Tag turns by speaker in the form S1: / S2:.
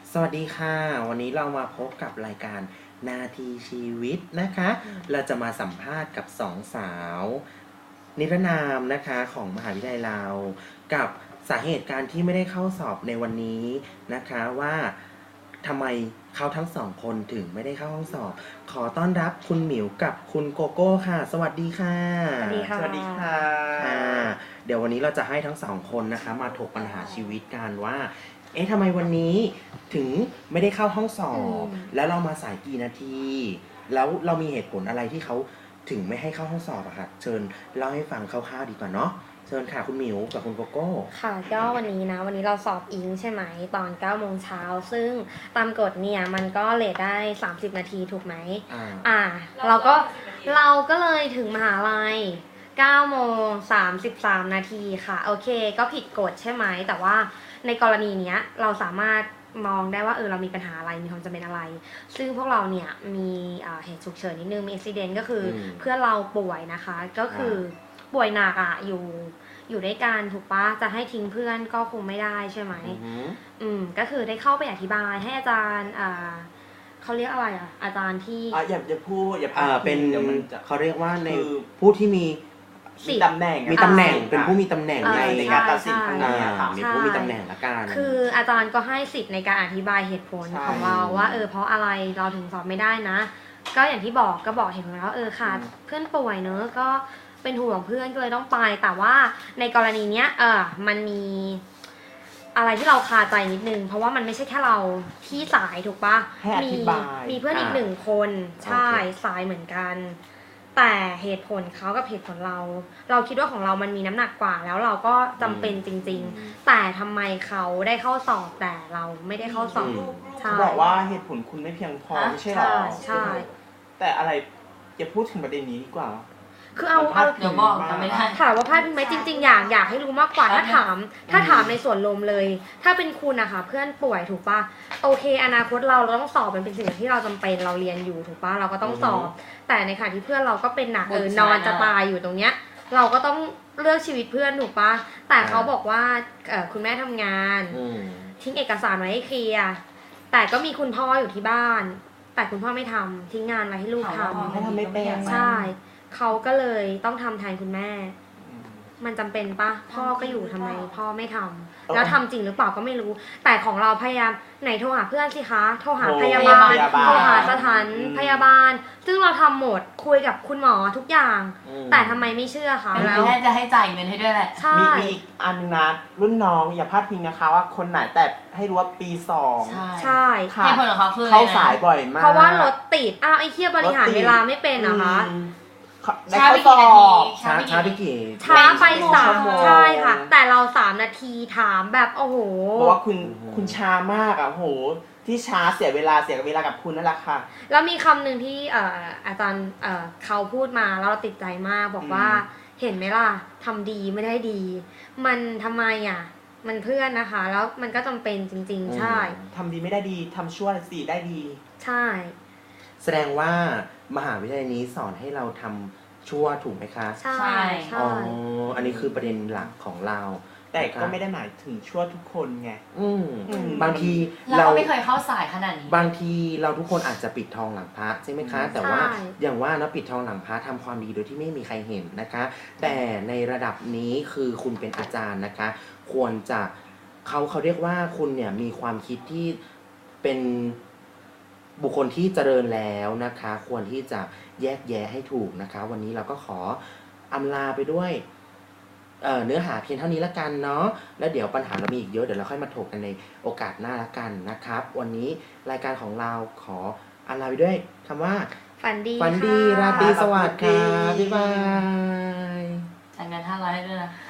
S1: สวัสดีค่ะวันนี้เรามาพบกับรายการนาทีชีวิตนะคะเราจะมาสัมภาษณ์กับสองสาวนิรนามนะคะของมหาวิทยาลัยเรากับสาเหตุการที่ไม่ได้เข้าสอบในวันนี้นะคะว่าทำไมเขาทั้งสองคนถึงไม่ได้เข้าห้องสอบขอต้อนรับคุณหมิวกับคุณโกโก้ค่ะสวัสดีค่ะ
S2: สวัสดีค่ะ
S3: สวัสดีค่ะ
S1: เดี๋ยววันนี้เราจะให้ทั้งสองคนนะคะมาถกปัญหาชีวิตกันว่าทำไมวันนี้ถึงไม่ได้เข้าห้องสอบแล้วเรามาสายกี่นาทีแล้วเรามีเหตุผลอะไรที่เขาถึงไม่ให้เข้าห้องสอบอะค่ะเชิญเล่าให้ฟังคร่าวๆดีกว่าเนาะเชิญค่ะคุณหมิวกับคุณโกโก้
S2: ค่ะก็วันนี้เราสอบอิงใช่ไหมตอน9 โมงเช้าซึ่งตามกฎเนี่ยมันก็เลทได้30 นาทีถูกไหมเราก็เลยถึงมหาลัย9 โมง 33 นาทีค่ะโอเคก็ผิดกฎใช่ไหมแต่ว่าในกรณีเนี้ยเราสามารถมองได้ว่าเรามีปัญหาอะไรมีความจำเป็นอะไรซึ่งพวกเราเนี่ยมีเหตุฉุกเฉินนิดนึงมีอุบิเหตุก็คือเพื่อนเราป่วยนะคะก็คือป่วยหนักอยู่ด้วยกันถูกปะจะให้ทิ้งเพื่อนก็คงไม่ได้ใช่ไหมก็คือได้เข้าไปอธิบายให้อาจารย์เขาเรียกอะไรอาจารย์ที่
S3: อย่าพูดอย่า
S1: เป็นเขาเรียกว่าใน
S3: คือ
S1: ผู้ที่มี
S3: ตำแหน่ง
S1: เป็นผู้มีตำแหน่ง
S3: ในการตัดสินครั้งนี้ค่ะ
S1: มีผู้มีตำแหน่งละกัน
S2: คืออาจารย์ก็ให้สิทธิ์ในการอธิบายเหตุผลของเราว่าเพราะอะไรเราถึงสอบไม่ได้นะก็อย่างที่บอกเหตุผลแล้วค่ะเพื่อนป่วยเนอะก็เป็นห่วงเพื่อนก็เลยต้องไปแต่ว่าในกรณีเนี้ยมันมีอะไรที่เราคาใจนิดนึงเพราะว่ามันไม่ใช่แค่เราที่สายถูกปะมีเพื่อนอีก1 คนใช่สายเหมือนกันแต่เหตุผลเขากับเหตุผลเราคิดว่าของเรามันมีน้ำหนักกว่าแล้วเราก็จำเป็นจริงๆแต่ทำไมเขาได้เข้าสอบแต่เราไม่ได้เข้าสอบ
S3: เขาบอกว่าเหตุผลคุณไม่เพียงพอไม่ใช่หรอ
S2: ใช่
S3: แต่อะไรอย่าพูดถึงประเด็นนี้ดีกว่า
S2: คือเอา
S4: เดี๋ยวบอกกันไม่ได้
S2: ถามว่าพลาดไหมจริงๆอยากให้รู้มากกว่าถ้าถามในส่วนรวมเลยถ้าเป็นคุณนะคะเพื่อนป่วยถูกปะโอเคอนาคตเราต้องสอบมันเป็นสิ่งที่เราจำเป็นเราเรียนอยู่ถูกปะเราก็ต้องสอบแต่ในขณะที่เพื่อนเราก็เป็นหนักนอนจะตายอยู่ตรงเนี้ยเราก็ต้องเลือกชีวิตเพื่อนถูกปะแต่เขาบอกว่าคุณแม่ทำงานทิ้งเอกสารไว้ให้เคลียร์แต่ก็มีคุณพ่ออยู่ที่บ้านแต่คุณพ่อไม่ทำทิ้งงานไว้ให้ลูกทำ
S3: ให้ทำไม่เป็น
S2: ใช่เขาก็เลยต้องทำแทนคุณแม่มันจำเป็นปะพ่อก็อยู่ทำไมพ่อไม่ทำแล้วทำจริงหรือเปล่าก็ไม่รู้แต่ของเราพยายามไหนโทรหาเพื่อนสิคะโทรหาพยาบาลโทรหาสถานพยาบาลซึ่งเราทำหมดคุยกับคุณหมอทุกอย่างแต่ทำไมไม่เชื่อคะ
S4: แล้วแค่จะให้จ่ายเงินให้ด้วยแหละ
S3: มีอีกอันนึงนะรุ่นน้องอย่าพลาดพิงนะคะว่าคนไหนแต่ให้รู้ว่าปี 2
S2: ใช่
S4: เหตุผลของเขาคือ
S3: เข้าสายบ่อยมาก
S2: เพราะว่ารถติดไอ้เหี้ยบริหารเวลาไม่เป็นนะคะ
S3: ช้าไปกี่นาที
S2: ช้าไป3ใช่ค่ะแต่เรา3 นาทีถามแบบโอ้โห
S3: บอกว่าคุณช้ามากโอ้โหที่ช้าเสียเวลากับคุณนั่นแหละค่ะ
S2: แล้วมีคำหนึ่งที่อาจารย์เขาพูดมาแล้วเราติดใจมากบอกว่าเห็นไหมล่ะทำดีไม่ได้ดีมันทำไมมันเพื่อนนะคะแล้วมันก็จำเป็นจริงๆใช่
S3: ทำดีไม่ได้ดีทำชั่วสิได้ดี
S2: ใช่
S1: แสดงว่ามหาวิทยาลัยนี้สอนให้เราทำชั่วถูกไหมคะ
S2: ใช่
S1: อันนี้คือประเด็นหลักของเรา
S3: แต่ก็ไม่ได้หมายถึงชั่วทุกคนไง
S1: บางที
S4: เราไม่เคยเข้าสายขนาดนี้
S1: บางทีเราทุกคนอาจจะปิดทองหลังพระใช่ไหมคะแต่ว่าอย่างว่านะปิดทองหลังพระทำความดีโดยที่ไม่มีใครเห็นนะคะแต่ในระดับนี้คือคุณเป็นอาจารย์นะคะควรจะเขาเรียกว่าคุณเนี่ยมีความคิดที่เป็นบุคคลที่เจริญแล้วนะคะควรที่จะแยกแยะให้ถูกนะคะวันนี้เราก็ขออำลาไปด้วยเนื้อหาเพียงเท่านี้ละกันเนาะแล้วเดี๋ยวปัญหาเรามีอีกเยอะเดี๋ยวเราค่อยมาถกกันในโอกาสหน้าละกันนะครับวันนี้รายการของเราขออำลาไปด้วยคำว่า
S2: ฝันดี
S1: ราตรีสวัสดิ์ค่ะบ๊ายบาย
S4: จ่ายเงิน500ให้ด้วยนะ